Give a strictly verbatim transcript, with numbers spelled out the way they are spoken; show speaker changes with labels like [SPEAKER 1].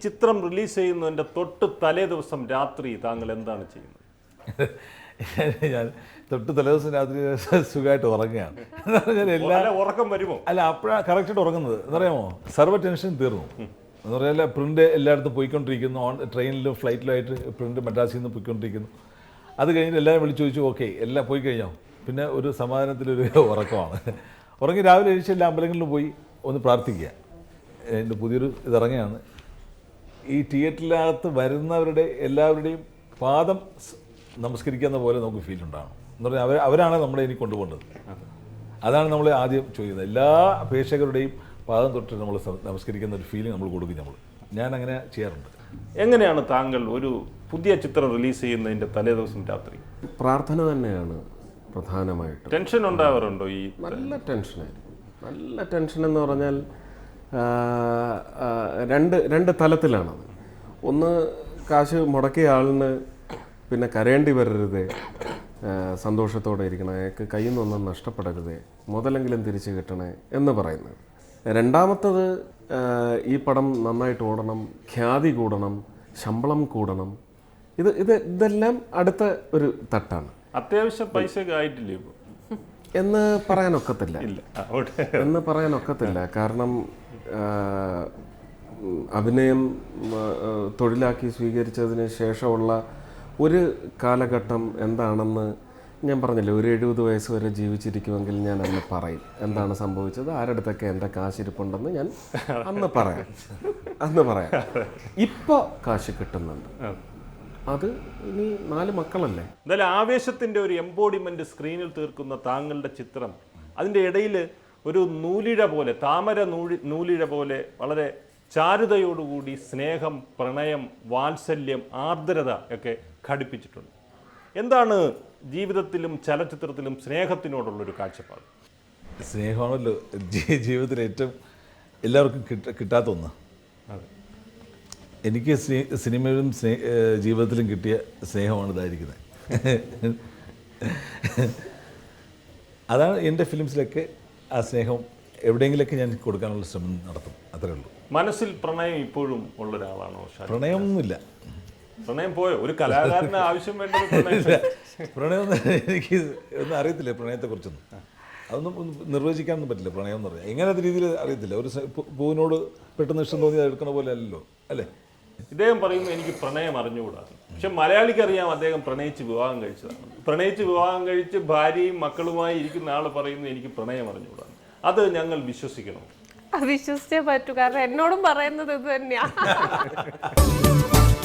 [SPEAKER 1] ചിത്രം റിലീസ് ചെയ്യുന്നതിൻ്റെ തൊട്ട് തലേ ദിവസം രാത്രി താങ്കൾ എന്താണ് ചെയ്യുന്നത്?
[SPEAKER 2] ഞാൻ തൊട്ട് തലേദിവസം രാത്രി സുഖമായിട്ട് ഉറങ്ങുകയാണ്. എല്ലാ
[SPEAKER 1] ഉറക്കം വരുമോ?
[SPEAKER 2] അല്ല, അപ്പോഴാണ് കറക്റ്റായിട്ട് ഉറങ്ങുന്നത്. എന്നറിയാമോ, സർവ്വ ടെൻഷൻ തീർന്നു എന്ന് പറഞ്ഞാൽ പ്രിൻ്റ് എല്ലായിടത്തും പോയിക്കൊണ്ടിരിക്കുന്നു. ഓൺ ട്രെയിനിലും ഫ്ലൈറ്റിലുമായിട്ട് പ്രിൻ്റ് മദ്രാസിൽ നിന്ന് പോയിക്കൊണ്ടിരിക്കുന്നു. അത് കഴിഞ്ഞിട്ട് എല്ലാവരും വിളിച്ചു ചോദിച്ചു, ഓക്കെ എല്ലാം പോയി കഴിഞ്ഞോ? പിന്നെ ഒരു സമാധാനത്തിലൊരു ഉറക്കമാണ്. ഉറങ്ങി രാവിലെ എഴുതിച്ച് എല്ലാ അമ്പലങ്ങളിലും പോയി ഒന്ന് പ്രാർത്ഥിക്കുക. എൻ്റെ പുതിയൊരു ഇതിറങ്ങിയാണ്. ഈ തിയേറ്ററിനകത്ത് വരുന്നവരുടെ എല്ലാവരുടെയും പാദം നമസ്കരിക്കുന്ന പോലെ നമുക്ക് ഫീൽ ഉണ്ടാകണം എന്ന് പറഞ്ഞാൽ അവർ അവരാണ് നമ്മളെ ഇനി കൊണ്ടുപോകേണ്ടത്. അതാണ് നമ്മൾ ആദ്യം ചോദിക്കുന്നത്. എല്ലാ പ്രേക്ഷകരുടെയും പാദം തൊട്ട് നമ്മൾ നമസ്കരിക്കുന്ന ഒരു ഫീലിംഗ് നമ്മൾ കൊടുക്കും. നമ്മൾ ഞാൻ അങ്ങനെ ചെയ്യാറുണ്ട്.
[SPEAKER 1] എങ്ങനെയാണ് താങ്കൾ ഒരു പുതിയ ചിത്രം റിലീസ് ചെയ്യുന്നതിൻ്റെ തലേ ദിവസം രാത്രി?
[SPEAKER 3] പ്രാർത്ഥന തന്നെയാണ് പ്രധാനമായിട്ട്.
[SPEAKER 1] ടെൻഷൻ ഉണ്ടാവാറുണ്ടോ? ഈ
[SPEAKER 3] നല്ല ടെൻഷനായിരുന്നു. നല്ല ടെൻഷൻ എന്ന് പറഞ്ഞാൽ രണ്ട് രണ്ട് തലത്തിലാണത്. ഒന്ന്, കാശ് മുടക്കിയ ആളിന് പിന്നെ കരയേണ്ടി വരരുതേ, സന്തോഷത്തോടെ ഇരിക്കണം, അയാൾക്ക് കയ്യിൽ നിന്നൊന്നും നഷ്ടപ്പെടരുതേ, മുതലെങ്കിലും തിരിച്ച് കിട്ടണേ എന്ന് പറയുന്നത്. രണ്ടാമത്തത്, ഈ പടം നന്നായിട്ട് ഓടണം, ഖ്യാതി കൂടണം, ശമ്പളം കൂടണം. ഇത് ഇത് ഇതെല്ലാം അടുത്ത ഒരു തട്ടാണ്.
[SPEAKER 1] അത്യാവശ്യം പൈസ ആയിട്ടില്ലേ
[SPEAKER 3] എന്ന് പറയാനൊക്കത്തില്ല എന്ന് പറയാനൊക്കത്തില്ല കാരണം അഭിനയം തൊഴിലാക്കി സ്വീകരിച്ചതിന് ശേഷമുള്ള ഒരു കാലഘട്ടം എന്താണെന്ന് ഞാൻ പറഞ്ഞില്ലേ. ഒരു എഴുപത് വയസ്സ് വരെ ജീവിച്ചിരിക്കുമെങ്കിൽ ഞാൻ അന്ന് പറയും എന്താണ് സംഭവിച്ചത്, ആരുടെടുത്തൊക്കെ എൻ്റെ കാശിരിപ്പുണ്ടെന്ന് ഞാൻ അന്ന് പറയാം അന്ന് പറയാം ഇപ്പോൾ കാശ് കിട്ടുന്നുണ്ട്. അത് ഇനി നാല് മക്കളല്ലേ.
[SPEAKER 1] എന്തായാലും ആവേശത്തിൻ്റെ ഒരു എംബോഡിമെൻ്റ് സ്ക്രീനിൽ തീർക്കുന്ന താങ്കളുടെ ചിത്രം, അതിൻ്റെ ഇടയിൽ ഒരു നൂലിഴ പോലെ, താമര നൂഴി നൂലിഴ പോലെ വളരെ ചാരുതയോടുകൂടി സ്നേഹം, പ്രണയം, വാത്സല്യം, ആർദ്രത ഒക്കെ ഘടിപ്പിച്ചിട്ടുണ്ട്. എന്താണ് ജീവിതത്തിലും ചലച്ചിത്രത്തിലും സ്നേഹത്തിനോടുള്ളൊരു കാഴ്ചപ്പാട്?
[SPEAKER 2] സ്നേഹമാണല്ലോ ജീവിതത്തിൽ ഏറ്റവും എല്ലാവർക്കും കിട്ട കിട്ടാത്ത ഒന്ന്. എനിക്ക് സിനിമയിലും സ്നേ ജീവിതത്തിലും കിട്ടിയ സ്നേഹമാണ് ഇതായിരിക്കുന്നത്. അതാണ് എൻ്റെ ഫിലിംസിലൊക്കെ ആ സ്നേഹം എവിടെയെങ്കിലൊക്കെ ഞാൻ കൊടുക്കാനുള്ള ശ്രമം നടത്തും. അത്രേ ഉള്ളൂ.
[SPEAKER 1] മനസ്സിൽ പ്രണയം ഇപ്പോഴും ഉള്ള ഒരാളാണോ?
[SPEAKER 2] പ്രണയമൊന്നുമില്ല.
[SPEAKER 1] പ്രണയം പോയോ? ഒരു കലാകാരന് ആവശ്യം വേണ്ടത്
[SPEAKER 2] പ്രണയം എനിക്ക് ഒന്നും അറിയത്തില്ല. പ്രണയത്തെക്കുറിച്ചൊന്നും അതൊന്നും നിർവചിക്കാനൊന്നും പറ്റില്ല. പ്രണയം എന്ന് പറഞ്ഞാൽ എങ്ങനത്തെ രീതിയിൽ അറിയത്തില്ല. ഒരു പൂവിനോട് പെട്ടെന്ന് ഇഷ്ടം തോന്നി എടുക്കണ പോലെ അല്ലല്ലോ, അല്ലേ?
[SPEAKER 1] ഇദ്ദേഹം പറയുമ്പോൾ എനിക്ക് പ്രണയം അറിഞ്ഞുകൂടാ. പക്ഷെ മലയാളിക്ക് അറിയാം അദ്ദേഹം പ്രണയിച്ച് വിവാഹം കഴിച്ചതാണ്. പ്രണയിച്ച് വിവാഹം കഴിച്ച് ഭാര്യയും മക്കളുമായി ഇരിക്കുന്ന ആൾ പറയുന്നു എനിക്ക് പ്രണയം അറിഞ്ഞുകൂടാ. അത് ഞങ്ങൾ വിശ്വസിക്കണം?
[SPEAKER 4] വിശ്വസിച്ചേ പറ്റൂ. കാരണം എന്നോടും പറയുന്നത് ഇത് തന്നെയാ.